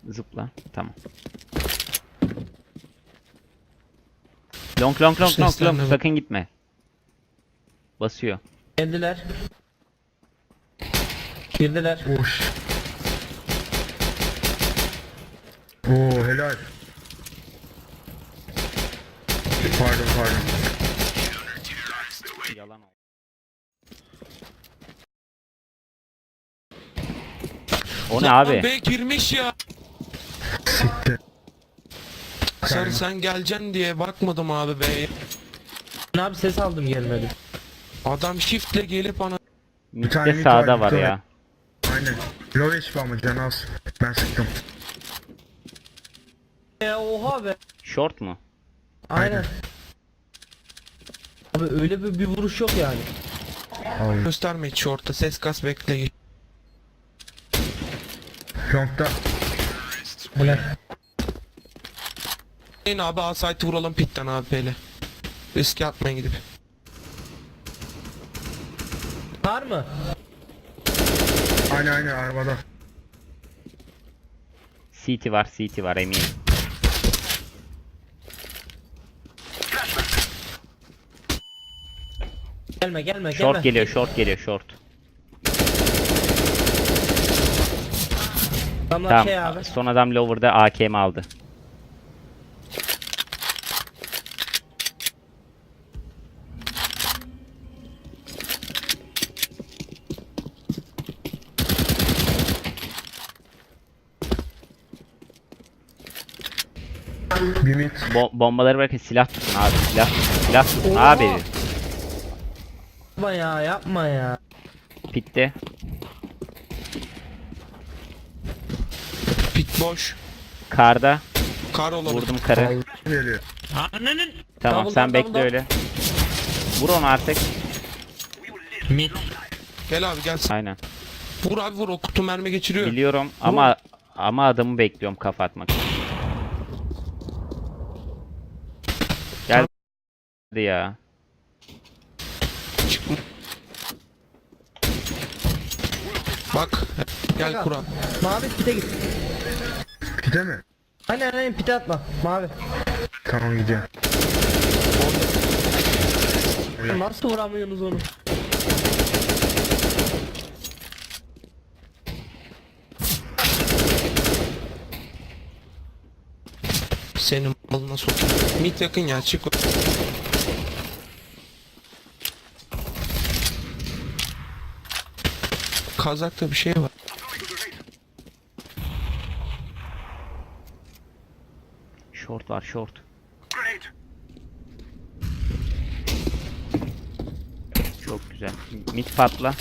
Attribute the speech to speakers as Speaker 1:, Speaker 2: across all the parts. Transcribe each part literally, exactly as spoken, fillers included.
Speaker 1: Zıpla. Tamam. Long long long long
Speaker 2: Seslenme
Speaker 1: long.
Speaker 2: bak.
Speaker 1: Sakın gitme. Basıyor.
Speaker 3: Geldiler. Girdiler.
Speaker 4: Boş. Oo helal. Pardon pardon.
Speaker 1: Yalan oldu. O ne
Speaker 2: Lan
Speaker 1: abi?
Speaker 2: B girmiş ya.
Speaker 4: Siktir.
Speaker 2: Sarı sen geleceksin diye bakmadım abi B'ye.
Speaker 3: Ne abi ses aldım gelmedi.
Speaker 2: Adam shiftle gelip ana
Speaker 1: Mid'de
Speaker 4: tane mid
Speaker 1: sağda
Speaker 4: var,
Speaker 1: var
Speaker 4: bir tane.
Speaker 1: ya.
Speaker 4: Aynen. Low H P ama canı az. Ben sıktım.
Speaker 3: Ya oha be.
Speaker 1: Short mu?
Speaker 3: Aynen. Abi öyle bir, bir vuruş yok yani.
Speaker 4: Al.
Speaker 2: gösterme hiç orta ses kas bekle.
Speaker 4: Long'da.
Speaker 3: Helal.
Speaker 2: En abi A site vuralım pitten abi B'yle. Riske atmayın gidip.
Speaker 3: Var mı?
Speaker 4: Aynen aynen arabada.
Speaker 1: C T var, C T var eminim.
Speaker 3: Gelme gelme
Speaker 1: Short
Speaker 3: gelme.
Speaker 1: geliyor, short geliyor, short.
Speaker 3: Adamlar
Speaker 1: Tamam.
Speaker 3: şey abi.
Speaker 1: Son adam lower'da A K'mi aldı.
Speaker 4: Bir mid.
Speaker 1: Bo bombaları bırakın, silah tutun abi, silah tutun, silah tutun
Speaker 3: Oha!
Speaker 1: abi.
Speaker 3: Yapma ya yapma ya.
Speaker 1: Pitte.
Speaker 2: Pit boş.
Speaker 1: Karda.
Speaker 2: Kar olabilir.
Speaker 1: Vurdum karı.
Speaker 4: Al geliyor.
Speaker 1: Tamam
Speaker 3: Double
Speaker 1: sen
Speaker 3: down,
Speaker 1: bekle
Speaker 3: double down.
Speaker 1: öyle. Vur onu artık.
Speaker 3: Mid.
Speaker 2: Gel abi gel.
Speaker 1: Aynen.
Speaker 2: Vur abi vur o kutu mermi geçiriyor.
Speaker 1: Biliyorum ama ama adamı bekliyorum kafa atmak için. Gel. Hadi ya.
Speaker 2: Çıkma. Bak gel Kur'an.
Speaker 3: Mavi pite git.
Speaker 4: Pide mi?
Speaker 3: Aynen aynen pite atma. Mavi.
Speaker 4: Tamam gidiyorum.
Speaker 3: Nasıl vuramıyorsunuz onu?
Speaker 2: Senin malına sokayım. Mid yakın ya çık. Kazakta bir şey var.
Speaker 1: Short var, short. Çok güzel. Mid patla.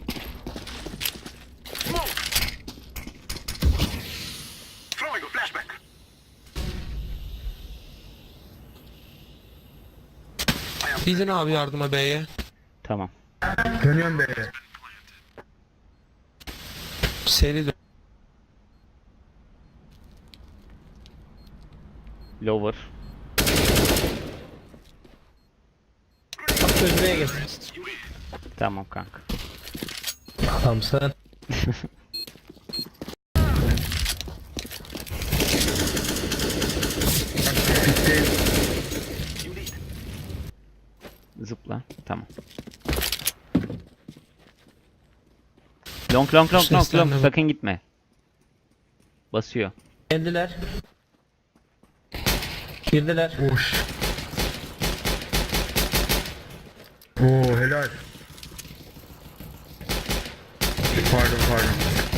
Speaker 2: Gidin abi yardıma B'ye.
Speaker 1: Tamam.
Speaker 4: Dönüyorum B'ye.
Speaker 2: Seri dön.
Speaker 1: Lower.
Speaker 3: Bak çözmeye gel.
Speaker 1: Tamam kanka.
Speaker 3: Tamam sen.
Speaker 4: Pide.
Speaker 1: Zıpla. Tamam. Long long long long long.
Speaker 2: Seslenme bak.
Speaker 1: Sakın gitme. Basıyor.
Speaker 3: Geldiler. Girdiler.
Speaker 4: Boş. Oo helal. Pardon pardon.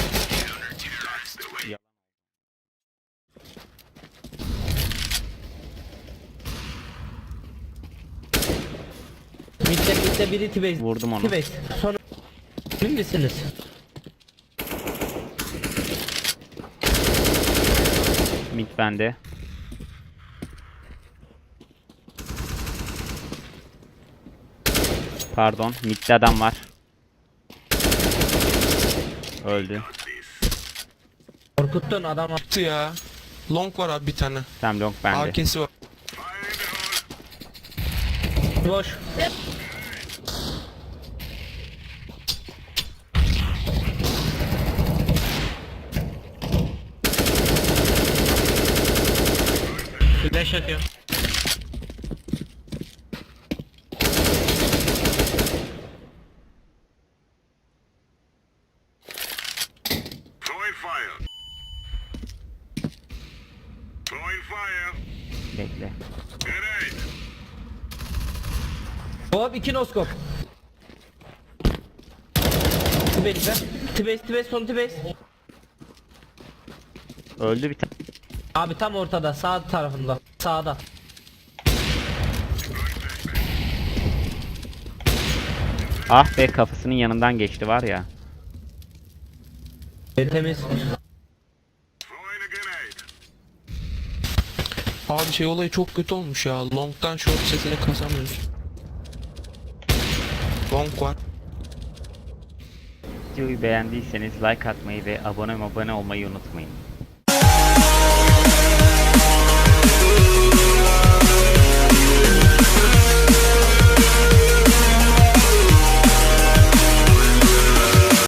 Speaker 3: Midde midde biri T-base.
Speaker 1: Vurdum onu.
Speaker 3: T-base. Sonra emin misiniz?
Speaker 1: Mid bende. Pardon. Mid'de adam var. Öldü.
Speaker 3: Korkuttun adam.
Speaker 2: Çıktı ya. Long var abi bir tane.
Speaker 1: Tam long bende.
Speaker 2: A K'si var.
Speaker 3: Boş.
Speaker 5: Flash atıyor.
Speaker 6: Throwing fire. Throwing fire.
Speaker 1: Bekle.
Speaker 6: Grenade.
Speaker 3: Hop iki noskop. T-base ver. T-base T-base son T-base.
Speaker 1: Öldü bir tane.
Speaker 3: Abi tam ortada sağ tarafında. Sağda.
Speaker 1: Ah be, kafasının yanından geçti var ya.
Speaker 3: E, temiz.
Speaker 6: Throwing a grenade.
Speaker 2: Abi şey olayı çok kötü olmuş ya. Long'dan short setini kazanmıyoruz. Long var.
Speaker 1: Videoyu beğendiyseniz like atmayı ve abone abone olmayı unutmayın.